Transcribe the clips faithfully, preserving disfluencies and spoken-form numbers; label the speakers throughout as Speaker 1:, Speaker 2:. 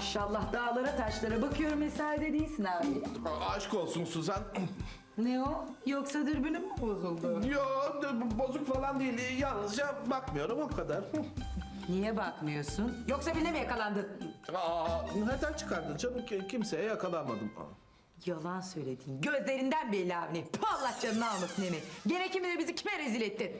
Speaker 1: Maşallah dağlara taşlara bakıyorum eserde değilsin abi.
Speaker 2: Aşk olsun Suzan.
Speaker 1: Ne o? Yoksa dürbünüm mü bozuldu?
Speaker 2: Yo, bozuk falan değil. Yalnızca bakmıyorum o kadar.
Speaker 1: Niye bakmıyorsun? Yoksa birine mi yakalandın?
Speaker 2: Aa, nereden çıkardın canım? Ki- Kimseye yakalanmadım.
Speaker 1: Yalan söyledin. Gözlerinden belli Avni. Puh, Allah canını almasın Emi. Gene kim bilir bizi kime rezil ettin?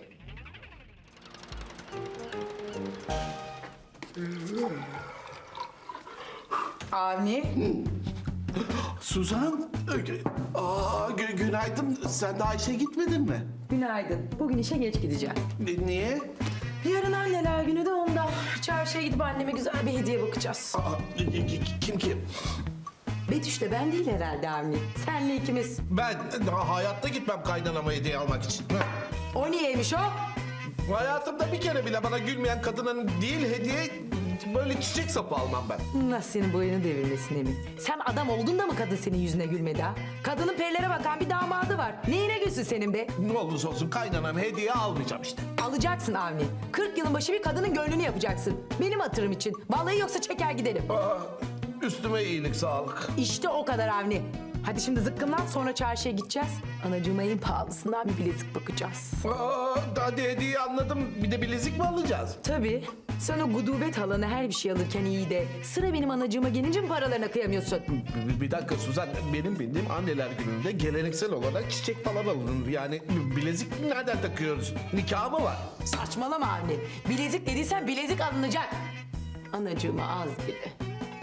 Speaker 1: Avni.
Speaker 2: Suzan, aa, gü- günaydın. Sen de Ayşe gitmedin mi?
Speaker 1: Günaydın. Bugün işe geç gideceğim.
Speaker 2: Ni- Niye?
Speaker 1: Yarın anneler günü de ondan. Çarşıya gidip anneme güzel bir hediye bakacağız.
Speaker 2: Aa, ki- ki- kim kim?
Speaker 1: Betüş de ben değil herhalde Avni. Senle ikimiz.
Speaker 2: Ben daha hayatta gitmem kaynanama hediye almak için.
Speaker 1: O niyeymiş o?
Speaker 2: Hayatımda bir kere bile bana gülmeyen kadının değil hediye böyle çiçek sapı almam ben.
Speaker 1: Nasıl senin boyunu devirmesin Emin? Sen adam oldun da mı kadın senin yüzüne gülmedi ha? Kadının perilere bakan bir damadı var. Neyine gülsün senin be?
Speaker 2: Ne olursa olsun kaynanam hediye almayacağım işte.
Speaker 1: Alacaksın Avni. kırk yılın başı bir kadının gönlünü yapacaksın. Benim hatırım için. Vallahi yoksa çeker giderim.
Speaker 2: Aa, üstüme iyilik sağlık.
Speaker 1: İşte o kadar Avni. Hadi şimdi zıkkımlan sonra çarşıya gideceğiz. Anacığıma en pahalısından bir bilezik bakacağız.
Speaker 2: Aa, hadi hediye anladım. Bir de bilezik mi alacağız?
Speaker 1: Tabii. Sen o gudubet halana her bir şey alırken iyi de sıra benim anacığıma gelince mi paralarına kıyamıyorsun?
Speaker 2: Bir, bir dakika Suzan, benim bildiğim anneler gününde geleneksel olarak çiçek falan alınır. Yani bilezik nereden takıyoruz? Nikah mı var?
Speaker 1: Saçmalama anne. Bilezik dediysen bilezik alınacak. Anacığıma az bile.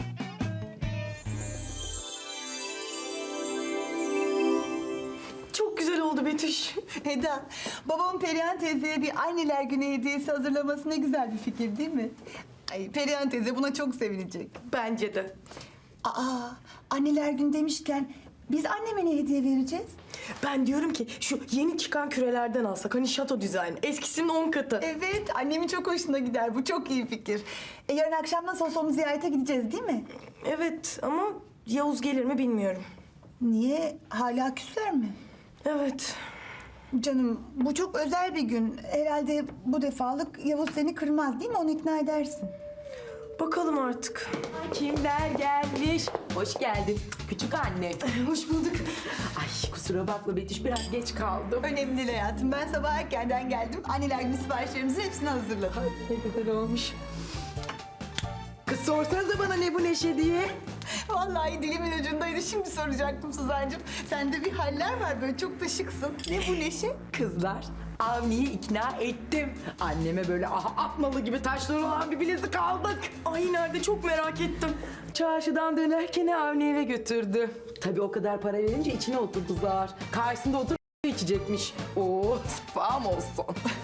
Speaker 3: Çok güzel oldu Betüş.
Speaker 4: Eda, babamın Perihan teyzeye bir anneler günü hediyesi hazırlaması ne güzel bir fikir değil mi? Ay, Perihan teyze buna çok sevinecek.
Speaker 3: Bence de.
Speaker 4: Aa, anneler günü demişken biz anneme ne hediye vereceğiz?
Speaker 3: Ben diyorum ki şu yeni çıkan kürelerden alsak. Hani şato dizayn. Eskisinin on katı.
Speaker 4: Evet, annemin çok hoşuna gider. Bu çok iyi fikir. E, yarın akşam nasıl olsa onu ziyarete gideceğiz değil mi?
Speaker 3: Evet ama Yavuz gelir mi bilmiyorum.
Speaker 4: Niye? Hala küsler mi?
Speaker 3: Evet.
Speaker 4: Canım, bu çok özel bir gün. Herhalde bu defalık Yavuz seni kırmaz değil mi? Onu ikna edersin.
Speaker 3: Bakalım artık.
Speaker 1: Kimler gelmiş? Hoş geldin küçük anne.
Speaker 3: Hoş bulduk.
Speaker 1: Ay kusura bakma Betüş biraz geç kaldım.
Speaker 4: Önemli değil hayatım. Ben sabah erkenden geldim. Anneler günü siparişlerimizin hepsini hazırladım.
Speaker 1: Ne güzel olmuş. Kız sorsanıza bana ne bu neşe diye.
Speaker 4: Vallahi dilimin ucundaydı. Şimdi soracaktım Suzancığım. Sende bir haller var böyle çok da şıksın. Ne bu neşe?
Speaker 1: Kızlar Avni'yi ikna ettim. Anneme böyle aha atmalı gibi taşları olan bir bilezik aldık.
Speaker 3: Ay nerede çok merak ettim.
Speaker 1: Çarşıdan dönerken Avni eve götürdü. Tabii o kadar para verince içine oturdu zar. Karşısında oturup içecekmiş. Oo sefam olsun.